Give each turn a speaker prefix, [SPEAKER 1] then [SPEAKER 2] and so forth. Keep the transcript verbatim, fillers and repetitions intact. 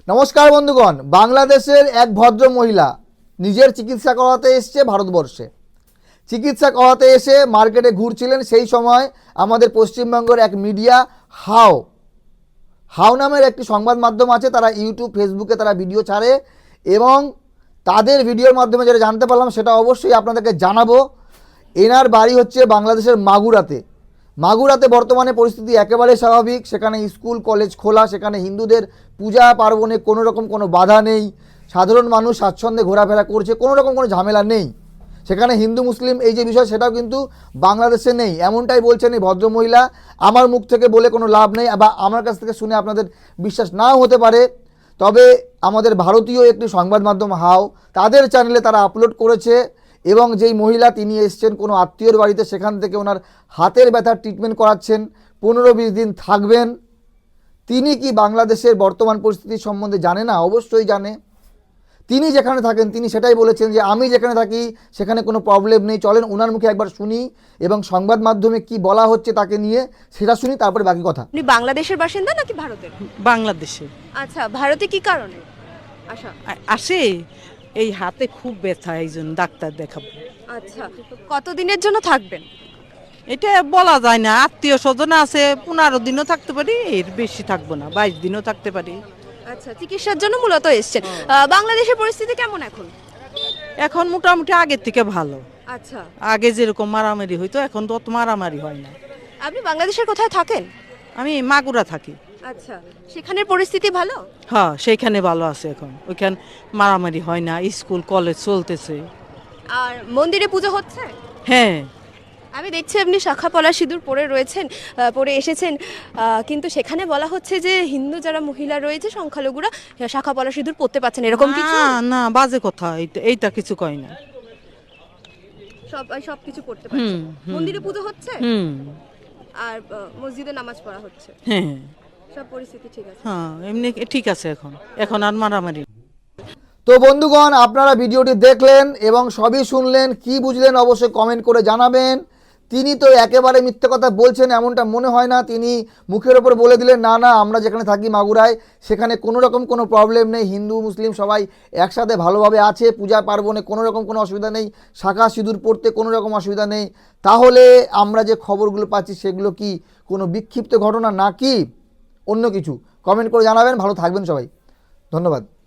[SPEAKER 1] নমস্কার বন্ধুগণ, বাংলাদেশের এক ভদ্র মহিলা নিজের চিকিৎসা করাতে এসছে ভারতবর্ষে। চিকিৎসা করাতে এসে মার্কেটে ঘুরছিলেন, সেই সময় আমাদের পশ্চিমবঙ্গের এক মিডিয়া হাও হাও নামের একটি সংবাদ মাধ্যম আছে, তারা ইউটিউব ফেসবুকে তারা ভিডিও ছাড়ে এবং তাদের ভিডিওর মাধ্যমে যেটা জানতে পারলাম সেটা অবশ্যই আপনাদেরকে জানাবো। এনার বাড়ি হচ্ছে বাংলাদেশের মাগুরাতে। মাগুরাতে বর্তমানে পরিস্থিতি একেবারে স্বাভাবিক, সেখানে স্কুল কলেজ খোলা, সেখানে হিন্দুদের পূজা পার্বণে কোনো রকম কোনো বাধা নেই, সাধারণ মানুষ স্বাচ্ছন্দ্যে ঘোরাফেরা করছে, কোনো রকম কোনো ঝামেলা নেই। সেখানে হিন্দু মুসলিম এই যে বিষয় সেটাও কিন্তু বাংলাদেশে নেই, এমনটাই বলছেন এই ভদ্রমহিলা। আমার মুখ থেকে বলে কোনো লাভ নেই বা আমার কাছ থেকে শুনে আপনাদের বিশ্বাস নাও হতে পারে, তবে আমাদের ভারতীয় একটি সংবাদ মাধ্যম হাও তাদের চ্যানেলে তারা আপলোড করেছে এবং যেই মহিলা তিনি এসছেন কোনো আত্মীয়র বাড়িতে, সেখান থেকে ওনার হাতের ব্যথার ট্রিটমেন্ট করাচ্ছেন, পনেরো বিশ দিন থাকবেন। তিনি কি বাংলাদেশের বর্তমান পরিস্থিতি সম্বন্ধে জানে না? অবশ্যই জানে। তিনি যেখানে থাকেন তিনি সেটাই বলেছেন যে আমি যেখানে থাকি সেখানে কোনো প্রবলেম নেই। চলেন ওনার মুখে একবার শুনি এবং সংবাদ মাধ্যমে কি বলা হচ্ছে তাকে নিয়ে সেটা শুনি, তারপরে বাকি কথা।
[SPEAKER 2] আপনি বাংলাদেশের বাসিন্দা নাকি ভারতের?
[SPEAKER 3] বাংলাদেশে।
[SPEAKER 2] আচ্ছা, ভারতে কি কারণে আশা
[SPEAKER 3] আ- আসে এই হাতে খুব ব্যথা, এই জন্য ডাক্তার দেখাবো।
[SPEAKER 2] আচ্ছা, কতদিনের জন্য থাকবেন?
[SPEAKER 3] এটা বলা যায় না, আত্মীয় স্বজন আছে, পনেরো দিনও থাকতে পারি, এর বেশি থাকবো না, বাইশ দিনও থাকতে পারি।
[SPEAKER 2] আচ্ছা, চিকিৎসার জন্য মূলত এসেছেন। আহ, বাংলাদেশের পরিস্থিতি কেমন এখন?
[SPEAKER 3] এখন মোটামুটি আগের থেকে ভালো।
[SPEAKER 2] আচ্ছা,
[SPEAKER 3] আগে যেরকম মারামারি হইতো এখন তো অত মারামারি হয় না।
[SPEAKER 2] আপনি বাংলাদেশের কোথায় থাকেন?
[SPEAKER 3] আমি মাগুরা থাকি।
[SPEAKER 2] আচ্ছা, সেখানের পরিস্থিতি ভালো?
[SPEAKER 3] হ্যাঁ, সেইখানে ভালো আছে এখন, ওইখানে মারামারি হয় না, স্কুল কলেজ চলতেছে।
[SPEAKER 2] আর মন্দিরে পুজো হচ্ছে?
[SPEAKER 3] হ্যাঁ,
[SPEAKER 2] আমি দেখছি আপনি শাখা পলা সিঁদুর পরে রয়েছেন, আহ, পরে এসেছেন, আহ, কিন্তু সেখানে বলা হচ্ছে যে হিন্দু যারা মহিলা রয়েছে সংখ্যালঘুরা শাখা পলা সিঁদুর পরতে পারছেন, এরকম কিছু?
[SPEAKER 3] না না, বাজে কথা, এইটা- এইটা কিছু কয় না।
[SPEAKER 2] সব সব কিছু পড়তে
[SPEAKER 3] হুম,
[SPEAKER 2] পারছেন।
[SPEAKER 3] হুম।
[SPEAKER 2] মন্দিরে পুজো হচ্ছে
[SPEAKER 3] হুম,
[SPEAKER 2] আর আহ, মসজিদে নামাজ পড়া হচ্ছে,
[SPEAKER 3] হ্যাঁ
[SPEAKER 2] সব পরিস্থিতি ঠিক আছে।
[SPEAKER 3] হ্যাঁ, এমনি ঠিক আছে এখন, এখন আর মারামারি।
[SPEAKER 1] তো বন্ধুগণ, আপনারা ভিডিওটি দেখলেন এবং সবই শুনলেন, কি বুঝলেন অবশ্যই কমেন্ট করে জানাবেন। তিনি তো একেবারে মিথ্যে কথা বলছেন এমনটা মনে হয় না, তিনি মুখের ওপর বলে দিলেন না না আমরা যেখানে থাকি মাগুরায় সেখানে কোনো রকম কোনো প্রবলেম নেই, হিন্দু মুসলিম সবাই একসাথে ভালোভাবে আছে, পূজা পার্বণে কোনো রকম কোনো অসুবিধা নেই, শাখা সিঁদুর পড়তে কোনো রকম অসুবিধা নেই। তাহলে আমরা যে খবরগুলো পাচ্ছি সেগুলো কি কোনো বিক্ষিপ্ত ঘটনা নাকি অন্য কিছু? কমেন্ট করে জানাবেন। ভালো থাকবেন সবাই, ধন্যবাদ।